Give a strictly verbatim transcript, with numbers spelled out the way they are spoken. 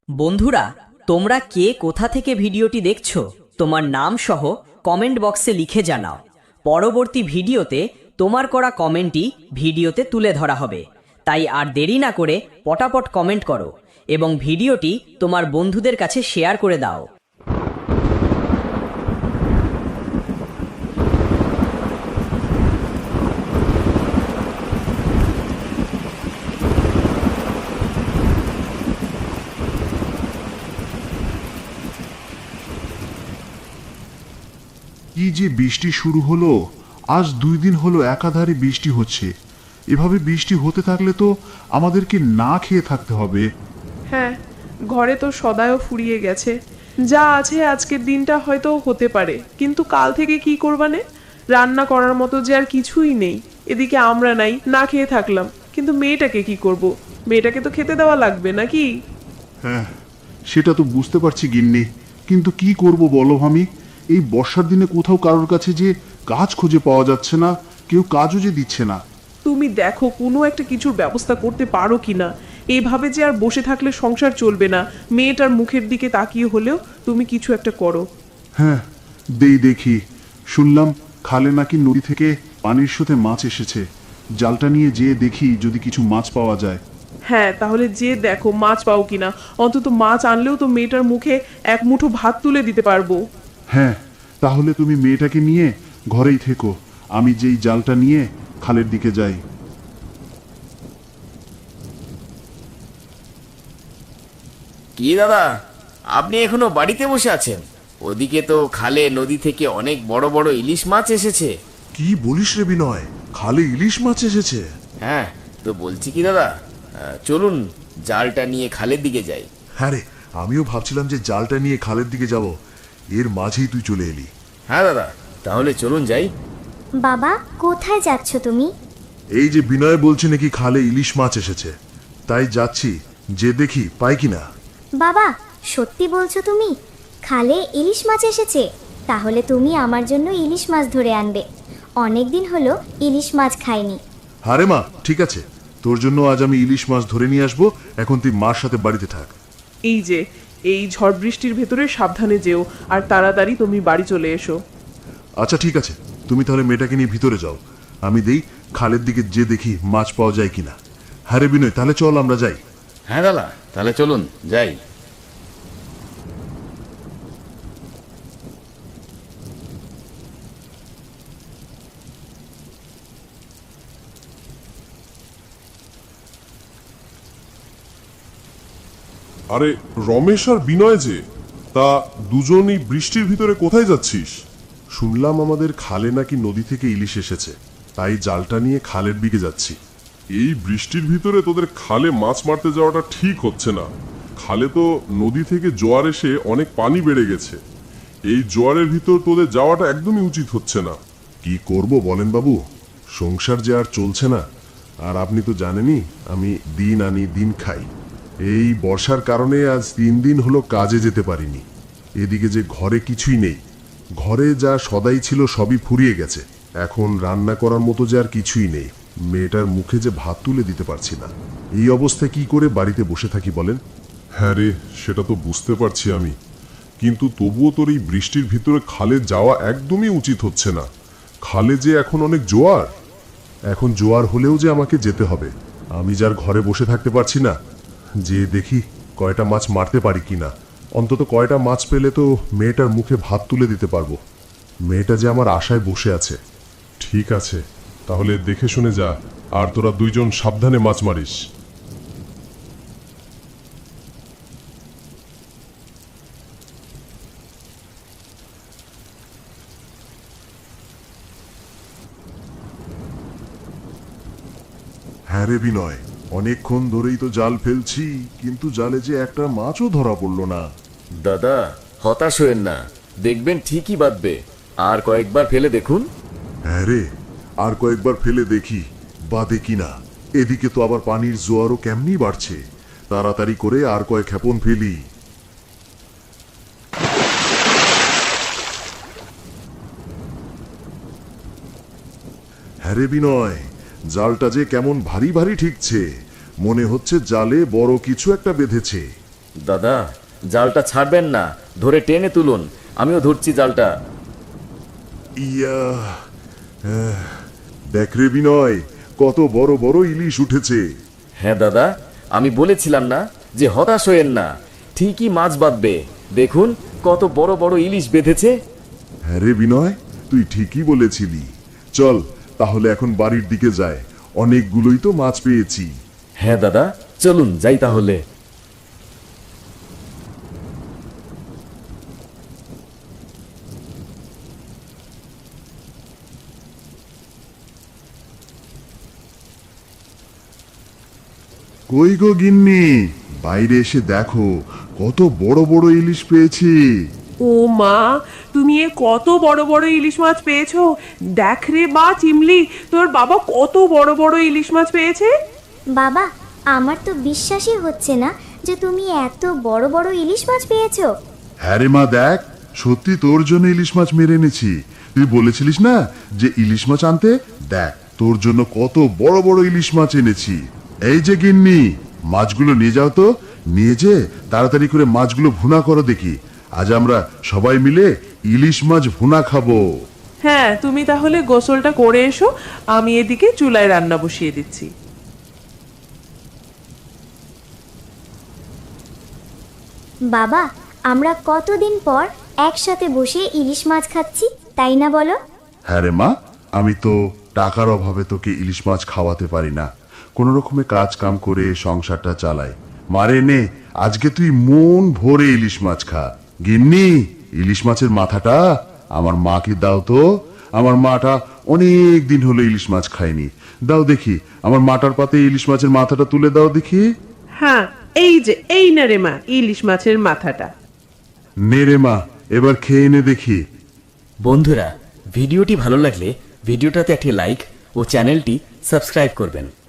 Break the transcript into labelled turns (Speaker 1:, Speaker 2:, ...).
Speaker 1: বন্ধুরা, তোমরা কে কোথা থেকে ভিডিওটি দেখছো তোমার নাম সহ কমেন্ট বক্সে লিখে জানাও। পরবর্তী ভিডিওতে তোমার করা কমেন্টই ভিডিওতে তুলে ধরা হবে। তাই আর দেরি না করে পটাপট কমেন্ট করো এবং ভিডিওটি তোমার বন্ধুদের কাছে শেয়ার করে দাও।
Speaker 2: কি যে বৃষ্টি শুরু হলো, আজ দুই দিন হলো একাধারে বৃষ্টি হচ্ছে। এভাবে বৃষ্টি হতে থাকলে তো আমাদেরকে না খেয়ে থাকতে হবে।
Speaker 3: হ্যাঁ, ঘরে তো সদায়ও ফুরিয়ে গেছে। যা আছে আজকের দিনটা হয়তো হতে পারে, কিন্তু কাল থেকে কি করবানে? রান্না করার মতো যে আর কিছুই নেই। এদিকে আমরা নাই, না খেয়ে থাকলাম, কিন্তু মেয়েটাকে কি করব? মেয়েটাকে তো খেতে দেওয়া লাগবে নাকি?
Speaker 2: হ্যাঁ, সেটা তো বুঝতে পারছি গিন্নি, কিন্তু কি করব বলো আমি? এই বর্ষার দিনে কোথাও কারোর কাছে যে কাজ খুঁজে পাওয়া যাচ্ছে না, কেউ কাজও যে দিচ্ছে না।
Speaker 3: তুমি দেখো কোনো একটা কিছুর ব্যবস্থা করতে পারো কিনা। এইভাবে যে আর বসে থাকলে সংসার চলবে না। মেয়েটার মুখের দিকে তাকিয়ে হলেও তুমি কিছু একটা করো।
Speaker 2: হ্যাঁ, দেই দেখি। শুনলাম খালে নাকি নদী থেকে পানির সাথে মাছ এসেছে। জালটা নিয়ে যেয়ে দেখি যদি কিছু মাছ পাওয়া যায়।
Speaker 3: হ্যাঁ, তাহলে যে দেখো মাছ পাও কিনা। অন্তত মাছ আনলেও তো মেয়েটার মুখে এক মুঠো ভাত তুলে দিতে পারবো।
Speaker 2: হ্যাঁ, তাহলে তুমি মেয়েটাকে নিয়ে ঘরেই থেকো, আমি যেই জালটা নিয়ে খালের দিকে যাই।
Speaker 4: কি দাদা, আপনি এখনো বাড়িতে বসে আছেন? ওদিকে তো খালে নদী থেকে অনেক বড় বড় ইলিশ মাছ এসেছে।
Speaker 5: কি বলিস রে বিনয়, খালে ইলিশ মাছ এসেছে?
Speaker 4: হ্যাঁ, তো বলছি কি দাদা, আহ, চলুন জালটা নিয়ে খালের দিকে যাই।
Speaker 5: হ্যাঁ রে, আমিও ভাবছিলাম যে জালটা নিয়ে খালের দিকে যাব, এর মাঝেই তুই চলে এলি।
Speaker 4: হ্যাঁ দাদা, তাহলে চলুন যাই।
Speaker 6: বাবা, কোথায় যাচ্ছ তুমি?
Speaker 5: এই যে বিনয় বলছে নাকি খালে ইলিশ মাছ এসেছে, তাই যাচ্ছি, যে দেখি পাই কিনা।
Speaker 6: বাবা, সত্যি বলছো তুমি? খালে ইলিশ মাছ এসেছে? তাহলে তুমি আমার জন্য ইলিশ মাছ ধরে আনবে। অনেক দিন হলো ইলিশ মাছ খাইনি।
Speaker 5: হারে মা, ঠিক আছে, তোর জন্য আজ আমি ইলিশ মাছ ধরে নিয়ে আসবো। এখন তুই মার সাথে বাড়িতে থাক।
Speaker 3: এই যে, এই ঝড় বৃষ্টির ভেতরে সাবধানে যেও, আর তাড়াতাড়ি তুমি বাড়ি চলে এসো।
Speaker 5: আচ্ছা ঠিক আছে, তুমি তাহলে মেয়েটাকে নিয়ে ভিতরে যাও, আমি দেই খালের দিকে যে দেখি মাছ পাওয়া যায় কিনা। হ্যাঁ রে বিনয়, তাহলে চল আমরা যাই।
Speaker 4: হ্যাঁ দাদা, তাহলে চলুন যাই।
Speaker 7: আরে রমেশ আর বিনয় যে, তা দুজনই বৃষ্টির ভিতরে কোথায় যাচ্ছিস? শুনলাম আমাদের খালে নাকি নদী থেকে ইলিশ এসেছে, তাই জালটা নিয়ে খালের দিকে যাচ্ছি। এই বৃষ্টির ভিতরে তোদের খালে মাছ মারতে যাওয়াটা ঠিক হচ্ছে না। খালে তো নদী থেকে জোয়ার এসে অনেক পানি বেড়ে গেছে। এই জোয়ারের ভিতর তোদের যাওয়াটা একদমই উচিত হচ্ছে না।
Speaker 5: কি করব বলেন বাবু, সংসার যে আর চলছে না। আর আপনি তো জানেনই আমি দিন আনি দিন খাই। এই বর্ষার কারণে আজ তিন দিন হলো কাজে যেতে পারিনি। এদিকে যে ঘরে কিছুই নেই, ঘরে যা সদাই ছিল সবই ফুরিয়ে গেছে। এখন রান্না করার মতো যে আর কিছুই নেই। মেয়েটার মুখে যে ভাত তুলে দিতে পারছি না। এই অবস্থায় কি করে বাড়িতে বসে থাকি বলেন?
Speaker 7: হ্যাঁ রে, সেটা তো বুঝতে পারছি আমি, কিন্তু তবুও তোর এই বৃষ্টির ভিতরে খালে যাওয়া একদমই উচিত হচ্ছে না। খালে যে এখন অনেক জোয়ার।
Speaker 5: এখন জোয়ার হলেও যে আমাকে যেতে হবে, আমি যার ঘরে বসে থাকতে পারছি না। যে দেখি কয়টা মাছ মারতে পারি কিনা। অন্তত কয়টা মাছ পেলে তো মেয়েটার মুখে ভাত তুলে দিতে পারবো। মেয়েটা যে আমার আশায় বসে আছে।
Speaker 7: ঠিক আছে, তাহলে দেখে শুনে যা, আর তোরা দুইজন সাবধানে মাছ মারিস।
Speaker 5: হ্যাঁ রে বিনয়, অনেকক্ষণ ধরেই তো জাল ফেলছি, কিন্তু জালে যে একটা মাছও ধরা পড়লো না।
Speaker 4: দাদা, হতাশ হয়েন না, দেখবেন ঠিকই বাঁধবে। আর কয়েকবার ফেলে দেখুন।
Speaker 5: হ্যাঁ রে, আর কয়েকবার ফেলে দেখি বাদে কিনা। এদিকে তো আবার পানির জোয়ারও কেমনি বাড়ছে। তাড়াতাড়ি করে আর কয়েক ক্ষেপণ ফেলি। হ্যাঁ রে বিনয়, জালটা যে কেমন ভারী ভারী ঠিকছে। মনে হচ্ছে জালে বড় কিছু একটা বেঁধেছে।
Speaker 4: দাদা, জালটা ছাড়বেন না, ধরে টেনে তুলুন, আমিও ধরছি জালটা।
Speaker 5: ইয়া আহ, দেখ রে বিনয়, কত বড় বড় ইলিশ উঠেছে।
Speaker 4: হ্যাঁ দাদা, আমি বলেছিলাম না যে হতাশ হয়েন না, ঠিকই মাছ বাঁধবে। দেখুন কত বড় বড় ইলিশ বেঁধেছে।
Speaker 5: হ্যাঁ রে বিনয়, তুই ঠিকই বলেছিলি। চল তাহলে এখন বাড়ির দিকে যায়, অনেকগুলোই তো মাছ পেয়েছি।
Speaker 4: হ্যাঁ দাদা, চলুন যাই তাহলে।
Speaker 2: কই গো গিন্নি, বাইরে এসে দেখো কত বড় বড় ইলিশ পেয়েছি।
Speaker 3: ও মা, তুমি এ কত বড় বড় ইলিশ মাছ পেয়েছো? দেখ রে মা চিমলি, তোর বাবা কত বড় বড় ইলিশ মাছ পেয়েছে।
Speaker 6: বাবা, আমার তো বিশ্বাসই হচ্ছে না যে তুমি এত বড় বড় ইলিশ মাছ পেয়েছো।
Speaker 2: হ্যাঁ রে মা, দেখ সত্যি তোর জন্য ইলিশ মাছ মেরে এনেছি। তুই বলেছিলিস না যে ইলিশ মাছ আনতে, দেখ তোর জন্য কত বড় বড় ইলিশ মাছ এনেছি। এই যে গিন্নি, মাছগুলো নিয়ে যাও তো, নিয়ে যে তাড়াতাড়ি করে মাছগুলো ভুনা করো দেখি। আজ আমরা সবাই মিলে ইলিশ মাছ ভুনা খাবো।
Speaker 3: হ্যাঁ, তুমি তাহলে গোসলটা করে এসো, আমি এদিকে চুলায় রান্না বসিয়ে দিচ্ছি।
Speaker 6: বাবা, আমরা কতদিন পর একসাথে বসে ইলিশ মাছ খাচ্ছি, তাই না বলো?
Speaker 2: হ্যাঁ রে মা, আমি তো টাকার অভাবে তোকে ইলিশ মাছ খাওয়াতে পারি না, কোনো রকমে কাজ কাম করে সংসারটা চালাই। মারে নে, আজকে তুই মন ভরে ইলিশ মাছ খা। গিন্নি, ইলিশ মাছের মাথাটা আমার মাকে দাও তো, আমার মাটা অনেক দিন হলো ইলিশ মাছ খায়নি। দাও দেখি, আমার মাটার পাতে ইলিশ মাছের মাথাটা তুলে দাও দেখি।
Speaker 3: হ্যাঁ, এই যে, এই না রে মা ইলিশ মাছের মাথাটা।
Speaker 2: নে রে মা, এবার খেয়ে নে দেখি।
Speaker 4: বন্ধুরা, ভিডিওটি ভালো লাগলে ভিডিওটাতে একটি লাইক ও চ্যানেলটি সাবস্ক্রাইব করবেন।